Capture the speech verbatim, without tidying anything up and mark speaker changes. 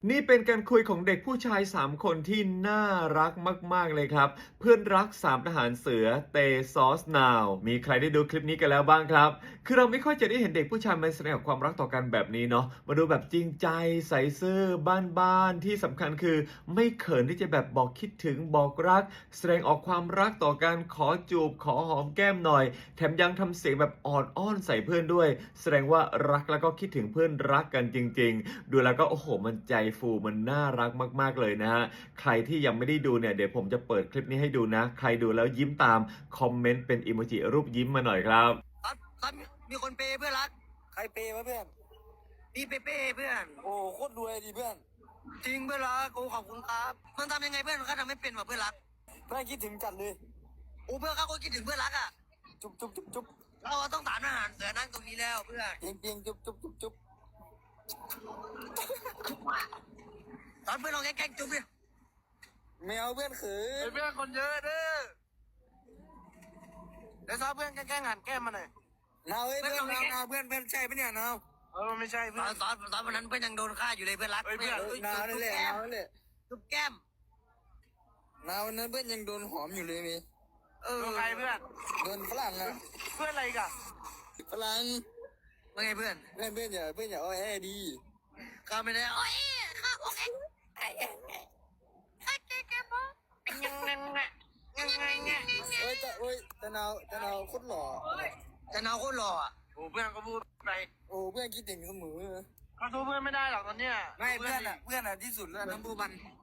Speaker 1: นี่เป็นการคุยของเด็กผู้ชายสามคนที่น่ารักมากๆเลยครับเพื่อนรักสามทหารเสือเตซอสนาวมีใครได้ดูคลิปนี้กันแล้วบ้างครับคือเราไม่ค่อยจะได้เห็นเด็กผู้ชายมาแสดงออกความรักต่อกันแบบนี้เนาะมาดูแบบจริงใจใส่ซื่อบ้านๆที่สำคัญคือไม่เขินที่จะแบบบอกคิดถึงบอกรักแสดงออกความรักต่อกันขอจูบขอหอมแก้มหน่อยแถมยังทำเสียงแบบอ่อนอ้อนใส่เพื่อนด้วยแสดงว่ารักแล้วก็คิดถึงเพื่อนรักกันจริงๆดูแล้วก็โอ้โหมันใจฟูมันน่ารักมากๆเลยนะฮะใครที่ยังไม่ได้ดูเนี่ยเดี๋ยวผมจะเปิดคลิปนี้ให้ดูนะใครดูแล้วยิ้มตามคอมเมนต์เป็นอิโมจิรูปยิ้มมาหน่อยครับ
Speaker 2: ครับครับมีคนเปย์เพื่อนรัก
Speaker 3: ใครเปย์วะเพื่อน
Speaker 2: พี่เปเป้เพื่อน
Speaker 3: โอ้โคตรรวยดิเพื่อน
Speaker 2: จริงเพื่อนรักโอ้ขอบคุณครับมันทำยังไงเพื่อนเขาทำไม่เป็นว่ะเพื่อนรัก
Speaker 3: เพื่อนคิดถึงจัดเลย
Speaker 2: โอ้เพื่อนเขาก็คิดถึงเพื่อนรักอ่ะ
Speaker 3: จุ๊บจุ๊บจุ๊บจุ๊บ
Speaker 2: เราต้องถามอาหารเสือนั่งตรงนี้แล้วเพื่อน
Speaker 3: เพียงเพียงจุ๊บจุ๊บจุ๊บจุ๊บ
Speaker 2: ตอนเพื่อนเราแกล้งจุ๊บเนี่ย
Speaker 3: ไม่เอาเพื่อนเขิน
Speaker 2: เพื่อนคนเยอะเด้อเดี๋ยวซ้อเพื่อนแกล้งหันแก้มมาหน่อย
Speaker 3: นาวเฮ้ยเพื่อนนาวนาเพื่อนเพื่อนใช่ปะเนี่ยนาว
Speaker 2: เออไม่ใช่เพื่อนตอนตอนวันนั้นเพื่อนยังโดนฆ่าอยู่เลยเพื่อนรักเพื่อน
Speaker 3: นาวนั่นแหละนาวนั่นแหละ
Speaker 2: จุ๊บแก้ม
Speaker 3: นาวนั้นเพื่อนยังโดนหอมอยู่เลยมี
Speaker 2: เออใครเพื่อน
Speaker 3: โดนฝรั่งอะ
Speaker 2: เพื่อนอะไรกัน
Speaker 3: ฝรั่ง
Speaker 2: ว่าไงเพื่อน
Speaker 3: เพื่อนเพื่อนอย่าเพื่อนอย่าอ้อแอดี
Speaker 2: ข้าไม่ได้โอ้ยข้าโอเคไอ้เองไอ้แกแกปะยังไงยังไงยังไง
Speaker 3: โอ้ยแต่โอ้ยแต่นาวแต่นาวโคตรหล่อ
Speaker 2: แต่นาวโคตรหล่ออ่ะโอ้เพื่อนก็พูดไป
Speaker 3: โอ้เพื่อนคิดถึงเสมอ
Speaker 2: เขาสู้เพื่อนไม่ได้หรอกตอนเนี้ย
Speaker 3: ไม่เพื่อนอะเพื่อนอะที่สุดแล้วน้ำบูบัน